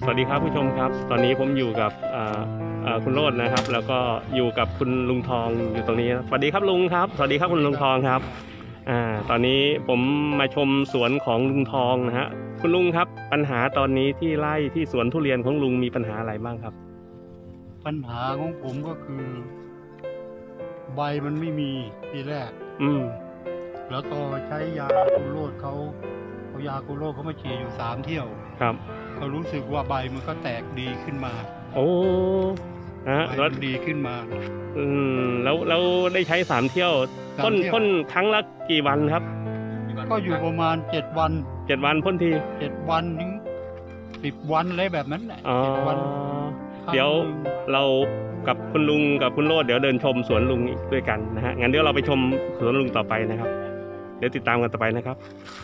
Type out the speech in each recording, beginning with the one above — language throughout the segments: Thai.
สวัสดีครับผู้ชมครับตอนนี้ผมอยู่กับคุณโรจน์นะครับแล้วก็อยู่กับคุณลุงทองอยู่ตรงนี้สวัสดีครับลุงครับสวัสดีครับคุณลุงทองครับตอนนี้ผมมาชมสวนของลุงทองนะฮะคุณลุงครับปัญหาตอนนี้ที่ไร่ที่สวนทุเรียนของลุงมีปัญหาอะไรบ้างครับปัญหาของผมก็คือใบมันไม่มีทีแรกแล้วก็ใช้ยาคูโรดเขาเอายาคูโรดเขามาฉีดอยู่3 เที่ยวครับเขารู้สึกว่าใบมันก็แตกดีขึ้นมาโอ้ใบมันดีขึ้นมาแล้วได้ใช้3 เที่ยวพ่นครั้งละกี่วันครับก็อยู่ประมาณ7 วัน 7 วันพ่นที 7 วันถึง10 วันอะไรแบบนั้นแหละ7 วันเดี๋ยวเรากับคุณลุงกับคุณโรจน์เดี๋ยวเดินชมสวนลุงอีกด้วยกันนะฮะงั้นเดี๋ยวเราไปชมสวนลุงต่อไปนะครับเดี๋ยวติดตามกันต่อไปนะครับ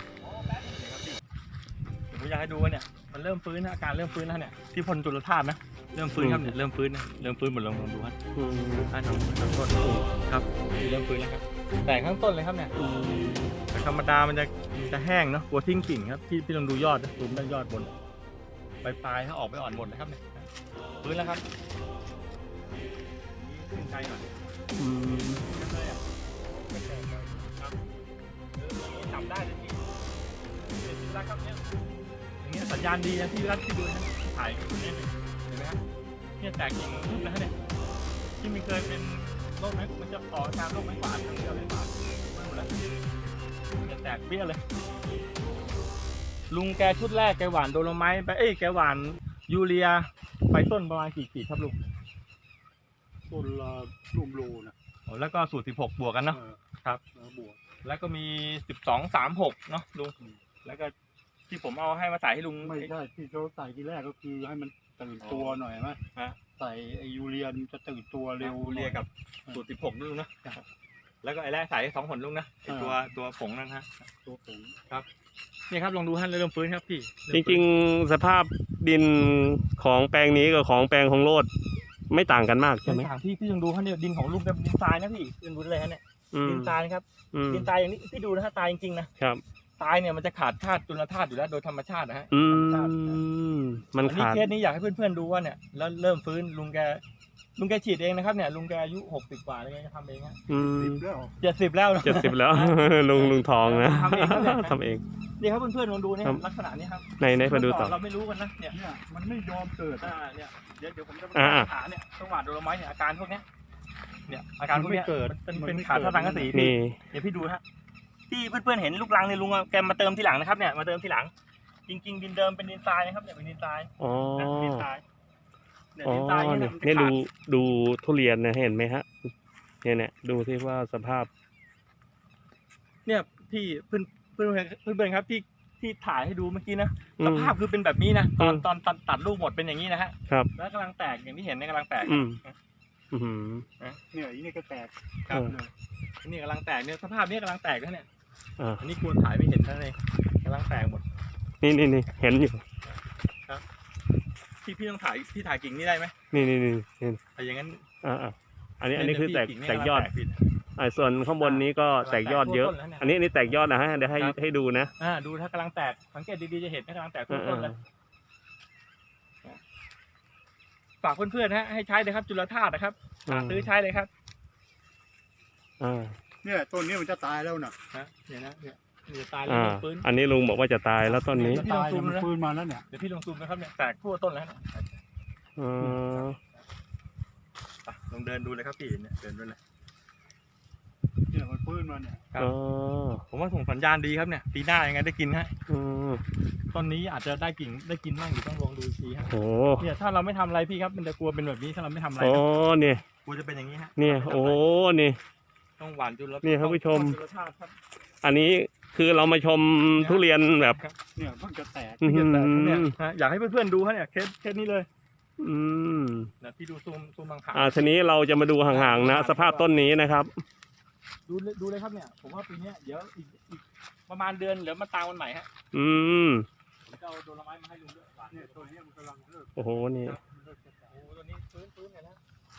ผมอยากให้ดูว่าเนี่ยมันเริ่มฟื้นนะอาการเริ่มฟื้นแล้วเนี่ยที่พ่นจุลธาตุนะเริ่มฟื้นครับเนี่ยเริ่มฟื้นนะเริ่มฟื้นหมดลองดูครับทั้งต้นครับเริ่มฟื้นแล้วครับแต่ข้างต้นเลยครับเนี่ยแต่ธรรมดามันจะแห้งเนาะกลัวทิ้งกิ่งครับพี่ลองดูยอดนะดูด้านยอดบนปลายถ้าออกไปอ่อนหมดนะครับเนี่ยฟื้นแล้วครับขึ้นใจหน่อยจับได้เลยพี่เห็นแล้วครับเนี่ยอย่างเงี้ยสัญญาณดีนะที่รัดที่ดูนะถ่ายเนี่ยเห็นไหมครับเนี่ยแตกกิ่งรูปนะเนี่ยที่มันเคยเป็นโรคไหมมันจะต่อตามโรคไม้หวานทั้งเดียวเลยหวานหมดแล้วจะแตกเปี้ยเลยลุงแกชุดแรกแกหวานโดโลไมต์ไปแกหวานยูเรียไปต้นประมาณกี่ขีดครับลุงต้นละร่วมโลนะแล้วก็สูตร16บวกกันเนาะครับบวกแล้วก็มี1236เนาะลุงแล้วก็ที่ผมเอาให้มาใส่ให้ลุงไม่ใช่ที่เขาใส่ทีแรกก็คือให้มันตื่นตัวหน่อยไหมใส่ไอยูเรียนจะตื่นตัวเร็วยูเรียกับสูตร16ลุงนะแล้วก็ไอ้แรกใส่2 ผลลุงนะตัวผงนั่นฮะตัวผงครับนี่ครับลองดูฮะเริ่มฟื้นครับพี่จริงๆสภาพดินของแปลงนี้กับของแปลงของโรจน์ไม่ต่างกันมากใช่ไหมต่างพี่ลองดูฮะเนี่ยดินของลุงเป็นดินทรายนะพี่ดูเลยฮะเนี่ยดินทรายครับดินทรายอย่างนี้พี่ดูนะฮะตายจริงๆนะครับตายเนี่ยมันจะขาดธาตุจุลธาตุอยู่แล้วโดยธรรมชาตินะฮะมันขาดเคสนี้อยากให้เพื่อนๆดูว่าเนี่ยแล้วเริ่มฟื้นลุงแกฉีดเองนะครับเนี่ยลุงแกอายุ60 กว่าแล้วแกทำเองฮะ70แล้ว 70แล้วลุงทองนะทำเองนี่ครับเพื่อนๆลองดูเนี่ยลักษณะนี้ครับในมาดูต่อเราไม่รู้กันนะเนี่ยมันไม่ยอมเกิดเนี่ยเดี๋ยวผมจะไปหาเนี่ยจังหวะโดโลไมต์เนี่ยอาการพวกนี้เนี่ยอาการพวกนี้เกิดเป็นขาดท่าทางกระสีพี่เดี๋ยวพี่ดูฮะที่เพื่อนๆเห็นลูกรังเนี่ยลุงแกมาเติมทีหลังนะครับเนี่ยมาเติมทีหลังจริงๆดินเดิมเป็นดินทรายนะครับเนี่ยเป็นดินทรายดินทรายเนี่ยดูทุเรียนนะเห็นไหมฮะเนี่ยดูที่ว่าสภาพเนี่ยพี่เพื่อนครับที่ถ่ายให้ดูเมื่อกี้นะสภาพคือเป็นแบบนี้นะตอนตัดลูกหมดเป็นอย่างนี้นะฮะครับแล้วกำลังแตกอย่างที่เห็นเนี่ยกำลังแตกเนี่ยนี่ก็แตกครับนี่กำลังแตกเนี่ยสภาพนี้กำลังแตกแล้วเนี่ยอันนี้ควรถ่ายไม่เห็นทั้งเลยกำลังแตกหมดนี่เห็นอยู่ครับพี่ต้องถ่ายกิ่งนี่ได้ไหมนี่อย่างนั้นอันนี้คือแตกยอดส่วนข้างบนนี้ก็แตกยอดเยอะอันนี้แตกยอดนะฮะเดี๋ยวให้ดูนะดูถ้ากำลังแตกสังเกตดีๆจะเห็นกำลังแตกต้นเลยฝากเพื่อนๆฮะให้ใช้เลยครับจุลธาตุนะครับซื้อใช้เลยครับเนี่ยต้นนี้มันจะตายแล้วนะเนี่ยตายแล้วฟื้นอันนี้ลุงบอกว่าจะตายแล้วต้นนี้พี่ลองซูมฟื้นมาแล้วเนี่ยเดี๋ยวพี่ลองซูมนะครับเนี่ยแตกทั่วต้นแล้วลองเดินดูเลยครับพี่เนี่ยเดินดูเลยเนี่ยมันฟื้นมาเนี่ยผมว่าส่งสัญญาณดีครับเนี่ยปีหน้ายังไงได้กินฮะต้นนี้อาจจะได้กินบ้างอยู่ต้องลองดูทีฮะเนี่ยถ้าเราไม่ทำอะไรพี่ครับมันจะกลัวเป็นแบบนี้ถ้าเราไม่ทำอะไรเนี่ยกลัวจะเป็นอย่างนี้ฮะเนี่ยนี่ต้องหวานจุลนี่ครับผู้ชมอันนี้คือเรามาชมทุเรียนแบบเนี่ยเพิ่งจะแตกเนี่ยอยากให้เพื่อนๆดูฮะเนี่ยเคสนี้เลยนะพี่ดูซูมบางขาทีนี้เราจะมาดูห่างๆนะสภาพต้นนี้นะครับดูเลยครับเนี่ยผมว่าปีนี้เดี๋ยวอีกประมาณเดือนเดี๋ยวมาตามวันใหม่ฮะผมจะเอาโดโลไมต์มาให้ลุงด้วยหวานเนี่ยตัวนี้มันกำลังเลิกโอ้โหนี่ตัวนี้ฟื้นไงนะ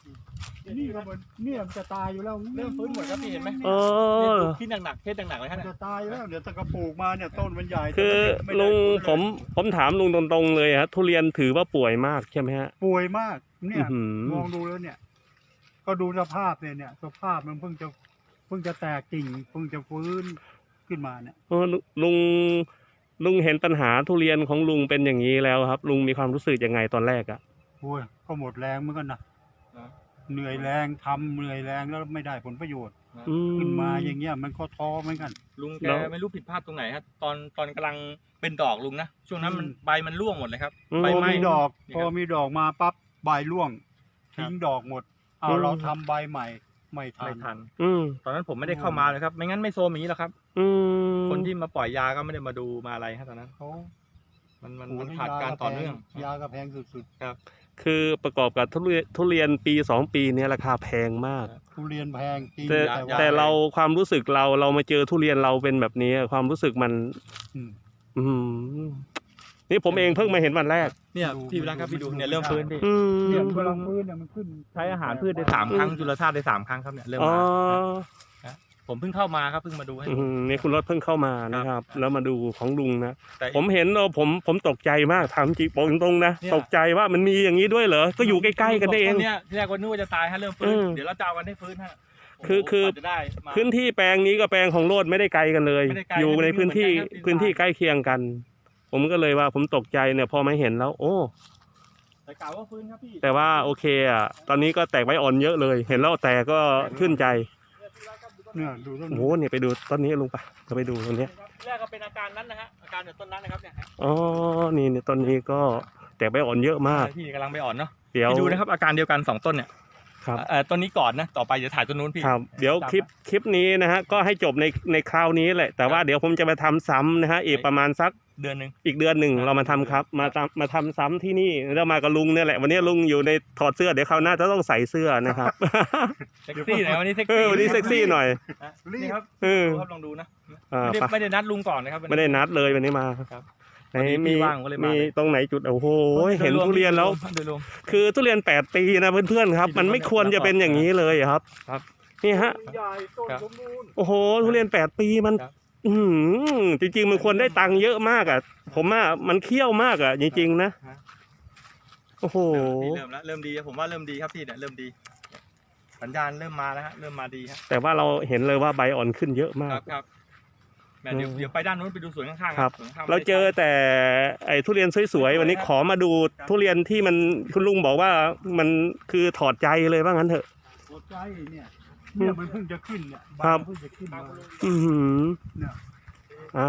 นี่ก็มันเนี่ยมันจะตายอยู่แล้วเริ่มฟื้นหมดครับพี่เห็นไหมเออที่หนักๆเคสหนักๆเลยมัฮะนเนี่ยจะตายแล้วเดี๋ยวตะกระปลูกมาเนี่ยต้นมันใหญ่คือแต่ไม่ได้ลุงฟื้นเลยผมถามลุงตรงๆเลยฮะทุเรียนถือว่าป่วยมากใช่ไหมฮะป่วยมากเนี่ยอื้อหือมองดูแล้วเนี่ย ก็ดูสภาพเนี่ยสภาพมันเพิ่งจะแตกกิ่งเพิ่งจะฟื้นขึ้นมาเนี่ยเออลุงเห็นปัญหาทุเรียนของลุงเป็นอย่างนี้แล้วครับ ลุงมีความรู้สึกยังไงตอนแรกอะโอ้ยก็หมดแรงเหมือนกันนะเหนื่อยแรงทำเหนื่อยแรงแล้วไม่ได้ผลประโยชน์อืขึ้นมาอย่างเงี้ยมันก็ท้อเหมือนกันลุงแกไม่รู้ผิดพลาดตรงไหนครับตอนกำลังเป็นดอกลุงนะช่วงนั้นมันอืมใบมันร่วงหมดเลยครับอืมใบพอไม้มีดอกนี่พคอรับมีดอกมาปั๊บใบร่วงครับทิ้งดอกหมดเอาอืมเราทำใบใหม่ไม่ทัไม่นทันอืมตอนนั้นผมไม่ได้เข้ามาเลยครับไม่งั้นไม่โซมอย่างนี้หรอกครับอืมคนที่มาปล่อยยาก็ไม่ได้มาดูมาอะไรครับตอนนั้นเขามันขาดการต่อเนื่องยากระแพงสุดคือประกอบกับทุเรียนปี2 ปีเนี้ราคาแพงมากๆทุเรียนแพงจริงแต่ว่าแต่เราความรู้สึกเรามาเจอทุเรียนเราเป็นแบบนี้ความรู้สึกมันอืมอืมนี่ผมเองเพิ่งมาเห็นวันแรกเนี่ยพี่วิรักครับพี่ดูเนี่ยเริ่มฟื้นพี่อืมเนี่ยมันกำลังฟื้นเนี่ยมันขึ้นใช้อาหารพืชได้3 ครั้งจุลธาตุได้3 ครั้งครับเนี่ยเริ่มอ๋อมาผมเพิ่งเข้ามาครับเพิ่งมาดูให้นี่คุณรถเพิ่งเข้ามานะครับ แล้วมาดูของลุงนะแต่ผมเห็นผมตกใจมากถามจริงบอกตรงๆนะเนี่ยตกใจว่ามันมีอย่างนี้ด้วยเหรอก็อยู่ใกล้ๆกันเองเนี่ยที่แรกว่านึกว่าจะตายฮะเริ่มฟื้นอืมเดี๋ยวเราจะเอากันให้ฟื้นฮะคือโโหกว่าจะได้มาพื้นที่แปลงนี้กับแปลงของโรดไม่ได้ไกลกันเลยไม่ได้ไกลอยู่ในพื้นที่ไม่ได้ไกลครับพื้นที่ใกล้เคียงกัน ผมก็เลยว่าผมตกใจเนี่ยพอมาเห็นแล้ว โอ้แต่กล่าวว่าฟื้นครับพี่แต่ว่าโอเคอ่ะตอนนี้ก็แตกใบอ่อนเยอะเลย เห็นแล้วแต่ก็ชื่นใจเนี่ยดูต้นโอ้โหเนี่ยไปดูต้นนี้ลุงปะก็ไปดูต้นนี้แรกก็เป็นอาการนั้นนะฮะอาการจากต้นนั้นนะครับเนี่ยอ๋อนี่เนี่ยต้นนี้ก็แตกใบอ่อนเยอะมากพี่กำลังไปอ่อนเนาะเดี๋ยวพี่ดูนะครับอาการเดียวกัน2 ต้นเนี่ยครับต้นนี้ก่อนนะต่อไปเดี๋ยวถ่ายต้นนู้นพี่ครับเดี๋ยวคลิปนี้นะฮะก็ให้จบในคราวนี้แหละแต่ว่าเดี๋ยวผมจะมาทำซ้ำนะฮะอีกประมาณสักเดือนหนึ่งอีกเดือนหนึ่งเรามาทำครับมาทำซ้ำที่นี่แล้วมากับลุงเนี่ยแหละวันนี้ลุงอยู่ในถอดเสื้อเดี๋ยวคราวหน้าจะต้องใส่เสื้อนะครับเซ็กซี่หน่อยวันนี้เซ็กเอซี่อวันนี้เซ็กซี่หน่อยนี่ครับเออดูครับลองดูนะอ่าไม่ได้นัดลุงก่อนนะครับวันนี้ไม่ได้นัดเลยวันนี้มาครับไหนวันนี้พี่มีว่างก็เลยมามีเลยตรงไหนจุดโอ้โหเห็นโดยรวมทุเรียนแล้วโดยรวมคือทุเรียน8 ปีนะเพื่อนๆครับ มันไม่ควรจะเป็นอย่างนี้เลยครับครับนี่ฮะใหญ่ต้นครับสมบูรณ์โอ้โหทุเรียน8 ปีมันครับอื้อหือจริงๆมันควรได้ตังค์เยอะมากอ่ะ ผมว่ามันเคี่ยวมากอ่ะจริงๆนะโอ้โหพี่เริ่มแล้วเริ่มดีผมว่าเริ่มดีครับพี่เนี่ยเริ่มดี สัญญาณเริ่มมาแล้วฮะเริ่มมาดีฮะแต่ว่าเราเห็นเลยว่าใบอ่อนขึ้นเยอะมาคกรับครับแม่เดี๋ยวไปด้านนู้นไปดูสวนข้างๆครับสวนข้างๆเราเจอแต่ไอ้ทุเรียนสวยๆวันนี้ขอมาดูทุเรียนที่มันคุณลุงบอกว่ามันคือถอดใจเลยว่างั้นเถอะหัวใจเนี่ยมันเพิ่งจะขึ้นเนี่ยใบครับเพิ่งจะขึ้นมาอือหือเนี่ยอ่า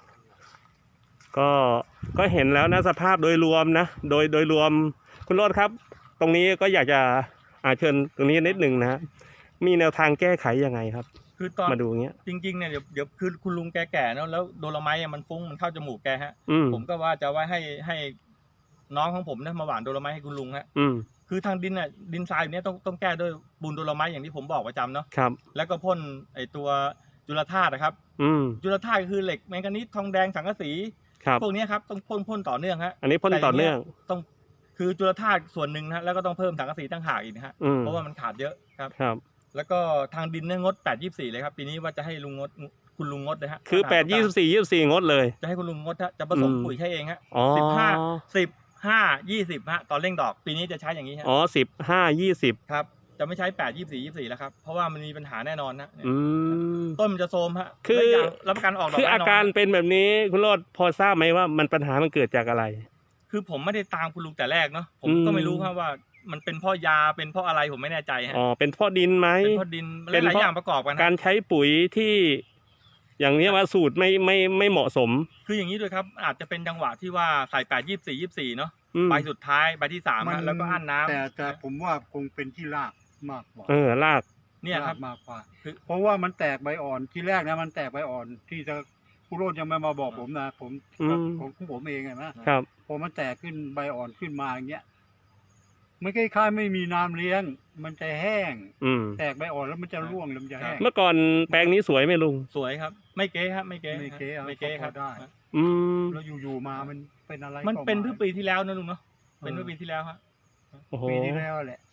ก็เห็นแล้วนะสภาพโดยรวมนะโดยรวมคุณโรจน์ครับ ตรงนี้ก็อยากจะเชิญตรงนี้นิดหนึ่งนะฮะมีแนวทางแก้ไขยังไงครับคือตอนมาดูอย่างเงี้ยจริงๆเนี่ยเดี๋ยวคือคุณลุงแก่ๆเนอะแล้วโดโลไมต์อะมันฟุ้งมันเข้าจมูกแกฮะอืมผมก็ว่าจะไว้ให้น้องของผมเนี่ยมาหว่านโดโลไมต์ให้คุณลุงฮะอืมคือทางดินน่ะดินทรายแบบเนี้ยต้องแก้ด้วยปูนโดโลไมต์อย่างที่ผมบอกประจำเนาะครับแล้วก็พ่นไอตัวจุลธาตุนะครับอืมจุลธาตุก็คือเหล็กแมงกานีสทองแดงสังกะสีครับพวกเนี้ยครับต้องพ่นต่อเนื่องฮะอันนี้พ่นต่อเนื่องต้องคือจุลธาตุส่วนหนึ่งนะฮะแล้วก็ต้องเพิ่มสังกะสีตั้งหากอีกนะฮะอืมเพราะว่ามันขาดเยอะครับครับแล้วก็ทางดินเนี่ยงด8-24เลยครับปีนี้ว่าจะให้ลุงงดคุณลุงงดเลยฮะคือ8 24 24งดเลยจะให้คุณลุงงดฮะจะผสมอืมปุ๋ยใช้เองฮะอ๋อ 15 20ฮะตอนเร่งดอกปีนี้จะใช้อย่างนี้ฮะอ๋อ15 20 ครับจะไม่ใช้8-24-24แล้วครับเพราะว่ามันมีปัญหาแน่นอนนะอืมต้นมันจะโทรมฮะคือและย่างรับประกันออกดอกคือแน่นอนอาการเป็นแบบนี้คุณโรจน์พอทราบไหมว่ามันปัญหามันเกิดจากอะไรคือผมไม่ได้ตามคุณลุงแต่แรกเนาะผมอืมก็ไม่รู้ครับว่ามันเป็นเพราะยาเป็นเพราะอะไรผมไม่แน่ใจฮะอ๋อเป็นเพราะดินไหมเป็นเพราะดินเป็นหลายเพราะอย่างประกอบกันการฮะใช้ปุ๋ยที่ อย่างนี้ว่าสูตรไม่เหมาะสมคืออย่างนี้ด้วยครับอาจจะเป็นจังหวะที่ว่าใส่8-24-24เนาะอืมใบสุดท้ายใบที่3ฮะแล้วก็อั้นน้ำแต่ผมว่าคงเป็นที่รากมากกว่ารากเนี่ยครับรากมากกว่าคือเพราะว่ามันแตกใบอ่อนที่แรกนะมันแตกใบอ่อนที่จะผู้โรดยังไม่มาบอกผมนะผมอืมของผมเองนะครับ พอมันแตกขึ้นใบอ่อนขึ้นมาอย่างเงี้ยมันคล้ายๆไม่มีน้ำเลี้ยง มันจะแห้งอืมแตกใบอ่อนแล้วมันจะร่วงแล้วมันจะแห้งเมื่อก่อนแปลงนี้สวยไหมลุงสวยครับ ไม่เก๊ครับไม่เก๊ไม่เก๊ฮะเอาไม่เก๊ครับพอได้อืมแล้วอยู่ๆมามันเป็นอะไรมันเป็นก็เพื่อปีที่แล้วนะลุงเนาะเป็นเมื่อปีที่แล้วฮะโอ้โหปีที่แล้วแหละ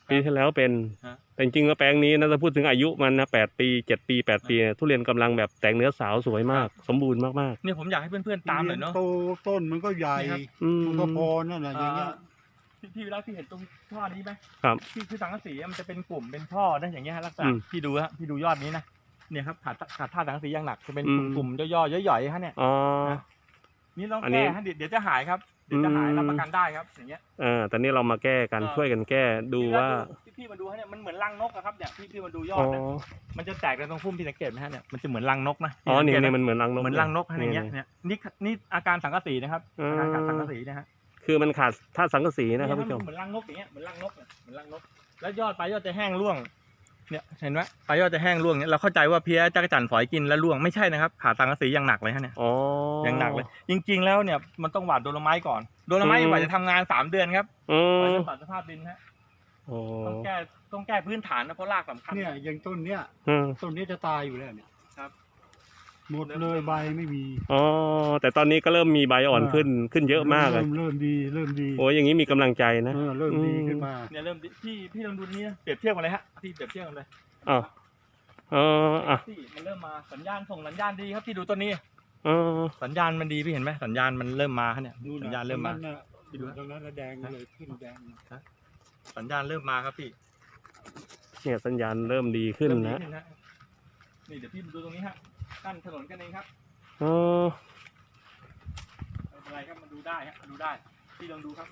ปีที่แล้วเป็นฮะแต่จริงๆแล้วแปลงนี้นะถ้าพูดถึงอายุมันนะ8 ปี 7 ปี 8 ปีเนี่ยทุเรียนกำลังแบบแตกเนื้อสาวสวยมาก สมบูรณ์มากเนี่ยผมอยากให้เพื่อนๆตามหน่อยเนาะโตต้นมันก็ใหญ่นี่ครับๆอืมมันก็พอนั่นแหละอย่างเงี้ยพี่วิรัตพี่เห็นตรงท่อนี้ไหมครับคือสังกะสีมันจะเป็นกลุ่มเป็นท่อนะอย่างเงี้ยฮะลักษณะอืมพี่ดูฮะพี่ดูยอดนี้นะเนี่ยครับขาดท่าสังกะสีอย่างหนักจะเป็นอืมกลุ่มๆย่อๆย่อยๆฮะเนี่ยอ๋อนี่ต้องอันนี้แก้ฮะเดี๋ยวจะหายครับเดี๋ยวจะหายอืมรับประกันได้ครับอย่างเงี้ยตอนนี้เรามาแก้กันเออช่วยกันแก้ดูว่าพี่มาดูฮะเนี่ยมันเหมือนรังนกอะครับเนี่ยพี่มาดูยออ๋ดอนะมันจะแตกในตรงพุ่มพี่สังเกตไหมฮะเนี่ยมันจะเหมือนรังนกนะอ๋อนี่พี่สังเกตนี่ไหมมันเหมือนรังนกเหมือนรังนกฮะอย่างเงี้ยนี่เนี่ยนี่อาการสังกะสีนะครับอืมอาการขาดสังกะสีนะฮะคือมันขาดธาตุสังกะสีนะครับผู้ชมเหมือนรังนกอย่างเงี้ยเหมือนรังนกเนี่ยเหมือนรังนก แล้วยอดปลายยอดจะแห้งร่วงเนี่ยเห็นไหมปลายยอดจะแห้งร่วงเนี่ยเราเข้าใจว่าเพี้ยจักรจั่นฝอยกินแล้วร่วงไม่ใช่นะครับขาดสังกะสีอย่างหนักเลยฮะเนี่ยอ๋ออย่างหนักเลย จริง ๆแล้วเนี่ยมันต้องหว่านโดโลไม้ก่อนโดโลไม้อืมกว่าจะทำงาน3 เดือนครับอืกว่าม จะปรับสภาพดินฮะโอ้ต้องแก้พื้นฐานนะเพราะรากสำคัญเนี่ยอย่างต้นเนี้ยอืมต้นนี้จะตายอยู่แล้วเนี่ยครับหมดเลยใบไม่มีอ๋อแต่ตอนนี้ก็เริ่มมีใบอ่อนขึ้นเยอะมากเลยเริ่มดีโอ้ยอย่างนี้มีกำลังใจนะเริ่มดีขึ้นมาเนี่ยเริ่มพี่ลองดูนี่นะเปรียบเทียบกันเลยฮะพี่เปรียบเทียบกันเลยอ๋ออ่ะพี่มันเริ่มมาสัญญาณส่งสัญญาณดีครับพี่ดูต้นนี้อ๋อสัญญาณมันดีพี่เห็นไหมสัญญาณมันเริ่มมาฮะเนี่ยนู่นสัญน่ะญาณเริ่มมาตรงนั้นน่ะอยู่ตรงนั้นน่ะแดงเลยขึ้นแดงสัญญาณเริ่มมาครับพี่เนี่ยสัญญาณเริ่มดีขึ้นเริ่มดีนะขึ้นฮะนี่เดี๋ยวพี่มาดูตรงนี้ฮะกั้นถนนกันเองครับอ๋อไม่เป็นไรครับมาดูได้ฮะมาดูได้พี่ลองดูครับ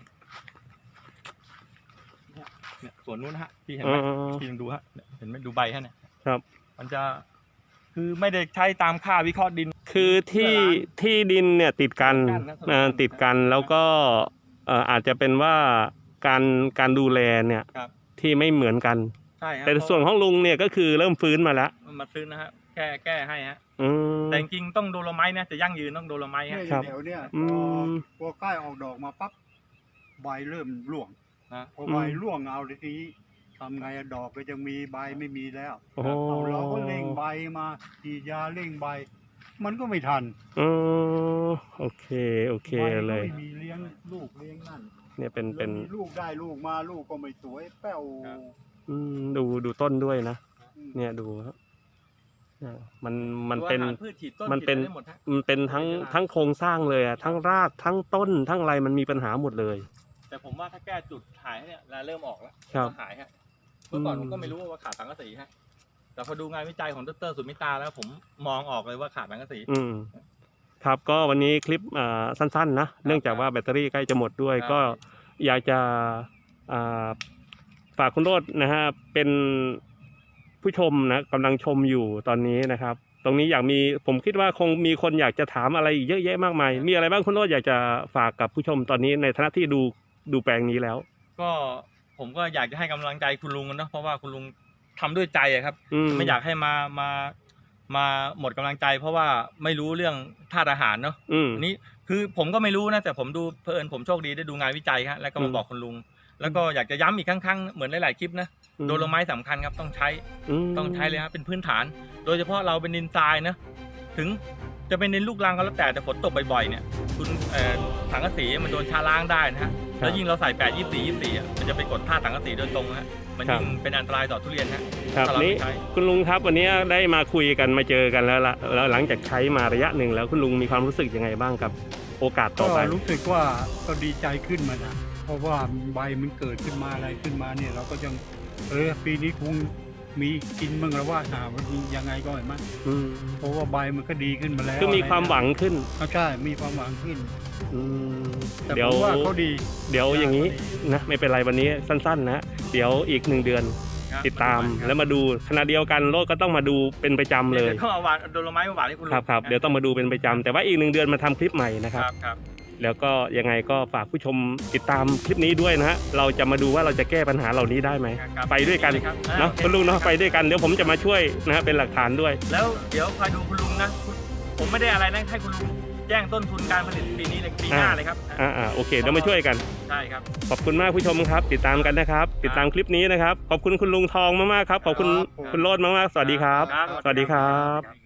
เนี่ยสวนนู้นฮะพี่เห็นอ๋ไหมอพี่ลองดูฮะเนี่ยเห็นไหมดูใบฮะเนี่ยครับมันจะคือไม่ได้ใช้ตามค่าวิเคราะห์ดินคือที่ดินเนี่ยติดกันติดกันนะติดกันแล้วก็อาจจะเป็นว่าการดูแลเนี่ยครับที่ไม่เหมือนกันใช่ฮะแต่ส่วนของลุงเนี่ยก็คือเริ่มฟื้นมาแล้วมันมาซื้อนะฮะแก้ให้ฮะอืมแต่จริงๆต้องโดโลไม้นะจะยั่งยืนต้องโดโลไม้เนี่ยฮะอครัยู่บแถวเนี่ยอืมพอใกล้ออกดอกมาปั๊บใบเริ่มร่วงนะพอใบร่วงเอาทีนี้ทำไงอะดอกก็ยังมีใบไม่มีแล้วโอ้โหเอาเราก็เร่งใบมาฉีดยาเร่งใบ มันก็ไม่ทันอืมโอเคใบก็เลยไม่มีเลี้ยงลูกเลี้ยงนั่นเนี่ยเป็นแล้วมีลูกได้ลูกมาลูกก็ไม่สวยแป้วดูต้นด้วยนะ เนี่ยดูครับเนี่ยมันเป็นตัวอาหารพืชฉีดต้นมันเป็นฉีดได้หมดฮะมันเป็นทั้งโครงสร้างเลยอะทั้งรากทั้งต้นทั้งอะไรมันมีปัญหาหมดเลยแต่ผมว่าถ้าแก้จุดหายเนี่ยแล้วเริ่มออกแล้วครับหายฮะเมื่อก่อนอืมผมก็ไม่รู้ว่าขาดสังกะสีฮะแต่พอดูงานวิจัยของดรสุมิตาแล้วผมมองออกเลยว่าขาดสังกะสีครับก็วันนี้คลิปสั้นๆนะเนื่องจากว่าแบตเตอรี่ใกล้จะหมดด้วยครับก็อยากจะอ่าฝากคุณโรจน์นะฮะเป็นผู้ชมนะกำลังชมอยู่ตอนนี้นะครับ ตรงนี้ผมคิดว่าคงมีคนอยากจะถามอะไรอีกเยอะแยะมากมาย มีอะไรบ้างคุณโรจน์อยากจะฝากกับผู้ชมตอนนี้ในฐานะที่ดูแปลงนี้แล้วก็ผมก็อยากจะให้กำลังใจคุณลุงนะเพราะว่าคุณลุงทำด้วยใจอะครับอืมไม่อยากให้มาหมดกำลังใจ เพราะว่าไม่รู้เรื่องธาตุอาหารเนาะอืมอันนี้คือผมก็ไม่รู้นะแต่ผมดูเพลินผมโชคดีได้ดูงานวิจัยครับแล้วก็มาบอกคุณลุง แล้วก็อยากจะย้ำอีกครั้งๆเหมือนหลายๆคลิปนะโดโลไม้สำคัญครับต้องใช้เลยครับเป็นพื้นฐาน โดยเฉพาะเราเป็นดินทรายนะถึงจะเป็นดินลูกรังก็แล้วแต่ฝนตกบ่อยๆเนี่ยคุณสังกะสีมันโดนชาล้างได้นะฮะแล้วยิ่งเราใส่8 24อ่ะมันจะไปกดธาตุสังกะสีโดยตรงฮะมันยิ่งเป็นอันตรายต่อทุเรียนฮะครับถ้าเรานี่ไม่ใช้คุณลุงครับวันนี้ได้มาคุยกันมาเจอกันแล้วแล้วหลังจากใช้มาระยะหนึ่งแล้วคุณลุงมีความรู้สึกยังไงบ้างกับโอกาสต่ก็อไปรู้สึกว่าก็ดีใจขึ้นมานะเพราะว่าใบมันเกิดขึ้นมาอะไรขึ้นมาเนี่ย เราก็ยังปีนี้คงมีกินบ้างแล้วว่าหามันยังไงก็ไม่มั้งอืมเพราะว่าใบมันก็ดีขึ้นมาแล้วคือมีความหวังขึ้นใช่มีความหวังขึ้นอืมแต่เดี๋ผยวมว่าเขาดีเดี๋ยวอย่างนี้นะไม่เป็นไรวันนี้สั้นๆนะเดี๋ยวอีก1 เดือนครับติดตามแล้วมาดูขณะเดียวกันโลดก็ต้องมาดูเป็นประจำเลยดี๋วต้องเอาหวานโดโลไม้มาหวานให้คุณลุงครับเดี๋ยวต้องมาดูเป็นประจำแต่ว่าอีก1 เดือนมาทำคลิปใหม่นะครับครับแล้วก็ยังไงก็ฝากผู้ชมติดตามคลิปนี้ด้วยนะฮะเราจะมาดูว่าเราจะแก้ปัญหาเหล่านี้ได้ไหมครับไปด้วยกันครับเนาะโอเคคุณลุงเนาะไปด้วยกันเดี๋ยวผมจะมาช่วยนะฮะเป็นหลักฐานด้วยแล้วเดี๋ยวคอยดูคุณลุงนะผมไม่ได้อะไรนะให้คุณลุงแจ้งต้นทุนการผลิตปีนี้เลยปีหน้าเลยครับโอเคเดี๋ยวมาช่วยกันใช่ครับขอบคุณมากผู้ชมครับ ติดตามกันนะครับ ติดตามคลิปนี้นะครับ ขอบคุณคุณลุงทองมากๆครับ ขอบคุณครับคุณโรจน์มากๆ สวัสดีครับครับสวัสดีครับ